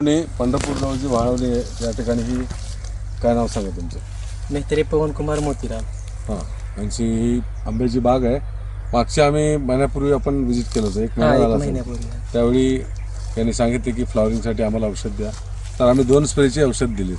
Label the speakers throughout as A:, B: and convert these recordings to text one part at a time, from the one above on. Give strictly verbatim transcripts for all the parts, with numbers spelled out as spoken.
A: पंढरपूर जवळची वाळवली या ठिकाणी ही काय नाव सांगा तुमचं?
B: मेहतरे पवन कुमार मोतीराम.
A: हां, यांची ही आंब्याची बाग आहे. मागच्या आम्ही महिन्यापूर्वी आपण व्हिजिट केलं होतं, एक महिना झाला असेल. त्यावेळी त्यांनी सांगितले की फ्लॉवरिंगसाठी आम्हाला औषध द्या, तर आम्ही दोन स्प्रेची औषध दिली.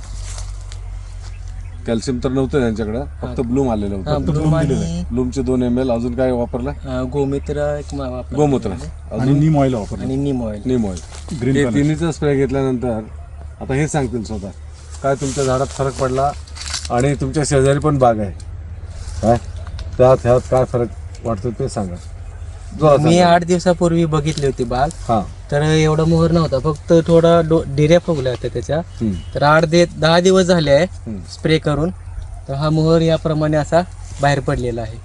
A: कॅल्शियम तर नव्हतं त्यांच्याकडं, फक्त ब्लूम आलेलं होतं. ब्लूमचे दोन एम एल. अजून काय वापरलं?
B: गोमित्र एक
A: गोमूत्र
C: अजून नीम ऑइल वापरलं.
B: आणि neem oil.
A: Neem oil green. हे तिन्हीचा स्प्रे घेतल्यानंतर आता हे सांगतील स्वतः काय तुमच्या झाडात फरक पडला आणि तुमच्या शेजारी पण बाग आहे काय, त्यात ह्यात काय फरक वाटतो ते सांगा.
B: मी आठ दिवसापूर्वी बघितली होती बाग.
A: हा,
B: तर एवढा मोहर नव्हता, फक्त थोडा डिऱ्या फुगल्या होत्या त्याच्या. तर आठ दे दहा दिवस झाले आहे स्प्रे करून, तर हा मोहर याप्रमाणे असा बाहेर पडलेला आहे.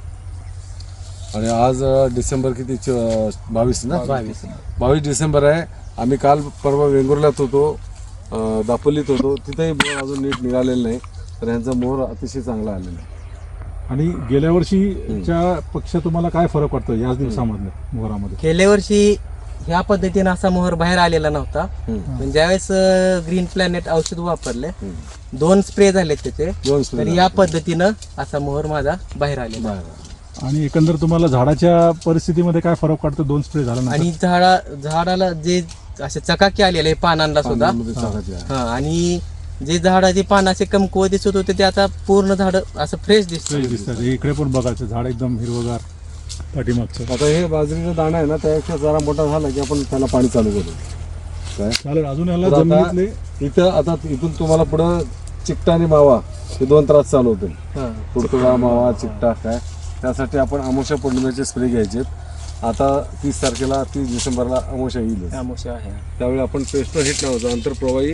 A: आणि आज डिसेंबर किती? बावीस ना?
B: बावीस
A: बावीस डिसेंबर आहे. आम्ही काल परवा वेंगुर्ल्यात होतो, दापोलीत होतो, तिथेही मोहर अजून नीट निघालेलं नाही. तर यांचा मोहर अतिशय चांगला आलेला आहे.
C: आणि गेल्या वर्षीच्या पेक्षा तुम्हाला काय फरक वाटतो याच दिवसामधल्या मोहरामध्ये?
B: गेल्या वर्षी ह्या पद्धतीने असा मोहर बाहेर आलेला नव्हता. पण ज्यावेळेस ग्रीन प्लॅनेट औषध वापरले, दोन स्प्रे झाले त्याचे,
A: दोन
B: तर या पद्धतीनं असा मोहर माझा बाहेर आलेला.
C: आणि एकंदर तुम्हाला झाडाच्या परिस्थितीमध्ये काय फरक वाटतो दोन स्प्रे झाला?
B: आणि झाडा झाडाला जे असे चकाकी आलेले पानांना सुद्धा, हा, आणि जे झाडाची पानं असे कमकुवत दिसत होते ते आता पूर्ण झाड असं फ्रेश दिसत.
C: इकडे पण बघायचं झाड एकदम हिरवगार पाठीमागचं.
A: आता हे बाजरीचा दाणा आहे ना, त्यापेक्षा जरा मोठा झाला की आपण त्याला पाणी चालू करू. काय
C: चालेल. अजून याला
A: तर आता
C: जमिनीतले
A: इथं आता इथून तुम्हाला पुढं चिकटा आणि मावा हे दोन त्रास चालू होतील. तुडतुडा, मावा, चिकटा काय, त्यासाठी आपण अमावस्या पौर्णिमेचे स्प्रे घ्यायचे. आता तीस तारखेला तीस डिसेंबरला अमावस्या येईल.
B: अमावस्या आहे,
A: त्यावेळी आपण पेस्टो हिट नावाचं आंतरप्रवाही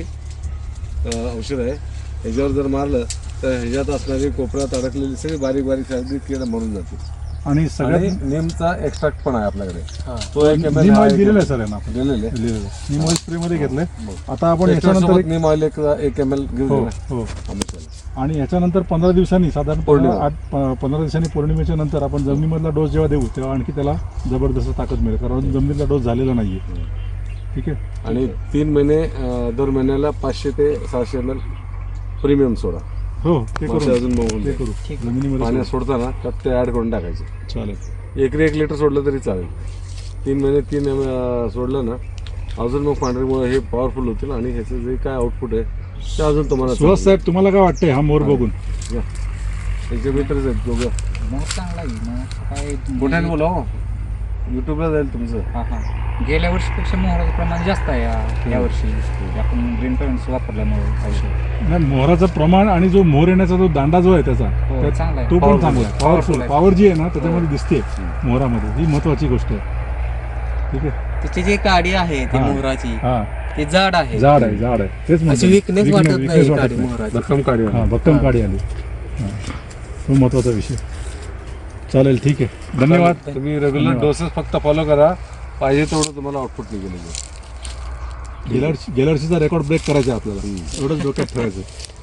A: औषध आहे, ह्याच्यावर जर मारलं तर ह्याच्यात असणारी कोपऱ्यात अडकलेली सगळी बारीक बारीक सारखी कीड मरून जाते.
C: आणि सगळ्यात
A: नेमचा एक्स्ट्रॅक्ट पण आहे आपल्याकडे, तो एक
C: नीम ऑइल दिलेलं आहे सर यांना आपण.
A: दिलेलं आहे.
C: नीम ऑइल स्प्रे मध्ये घेतलंय. आता आपण
A: याच्यानंतर
C: याच्यानंतर
A: नीम ऑइल एक एक एम एल घेऊन
C: हो
A: देऊ.
C: हो आणि याच्यानंतर पंधरा दिवसांनी साधारण
A: पौर्णिमा.
C: आठ प- पंधरा दिवसांनी पौर्णिमेच्या नंतर आपण जमिनीमधला डोस जेव्हा देऊ तेव्हा आणखी त्याला जबरदस्त ताकद मिळेल, कारण जमिनीतला डोस झालेला नाहीये. ठीक आहे.
A: आणि तीन महिने अं, दर महिन्याला पाचशे ते सहाशे एम एल प्रीमियम सोडा.
C: हो ते
A: मासे
C: करू
A: अजून बघून
C: ते
A: द्या.
C: करू जमिनीमध्ये
A: पाण्यात सोडताना त्यात ते ऍड करून टाकायचे.
C: चालेल.
A: एकरी एक लिटर सोडलं तरी चालेल. तीन महिने तीन एम सोडलं ना, अजून मग पांढरीमुळे हे पॉवरफुल होतील आणि ह्याचं जे काय आउटपुट आहे ते अजून तुम्हाला.
C: सुहास साहेब, तुम्हाला काय वाटतंय हा मोर बघून?
A: त्याचे मित्रच आहेत दोघं.
D: चांगला आहे.
A: मोठ्याने बोला हो, युट्यूबला जाईल तुमचं.
D: हां हां गेल्या वर्षीपेक्षा मोहराचं प्रमाण जास्त आहे या- या वर्षी आपण ग्रीन पेंट्स वापरल्यामुळे औषध.
C: नाही, मोहराचं प्रमाण आणि जो मोहर येण्याचा जो दांडा जो आहे त्याचा
D: हो,
C: त्या-
D: चांगला आहे.
C: तो पण
A: Powerful
C: चांगला आहे.
D: आहे.
C: पॉवरफुल
D: Powerful
C: पॉवर जी आहे ना त्याच्यामध्ये दिसते मोहरामध्ये, ही महत्वाची गोष्ट आहे. ठीक आहे.
B: त्याची जी काडी आहे ती
C: हा.
B: मोहराची,
C: हा,
B: ती जाड आहे.
C: झाड आहे झाड आहे तेच म्हणतो.
B: अशी weakness
C: Weakness-
B: वाटत
C: weakness
B: नाही
C: वाटत
B: काडी
C: नाही.
B: मोहराची.
A: भक्कम काढी.
C: हा, भक्कम काडी आली. हा. तो महत्वाचा विषय. चालेल, ठीक आहे. धन्यवाद.
A: तुम्ही रेग्युलर डोसेस फक्त फॉलो करा, पाहिजे तेवढं तुम्हाला आउटपुट निघेल.
C: गेल्या वर्षी गेल्या वर्षीचा रेकॉर्ड ब्रेक करायचा आहे आपल्याला, एवढंच डोक्यात ठेवायचं.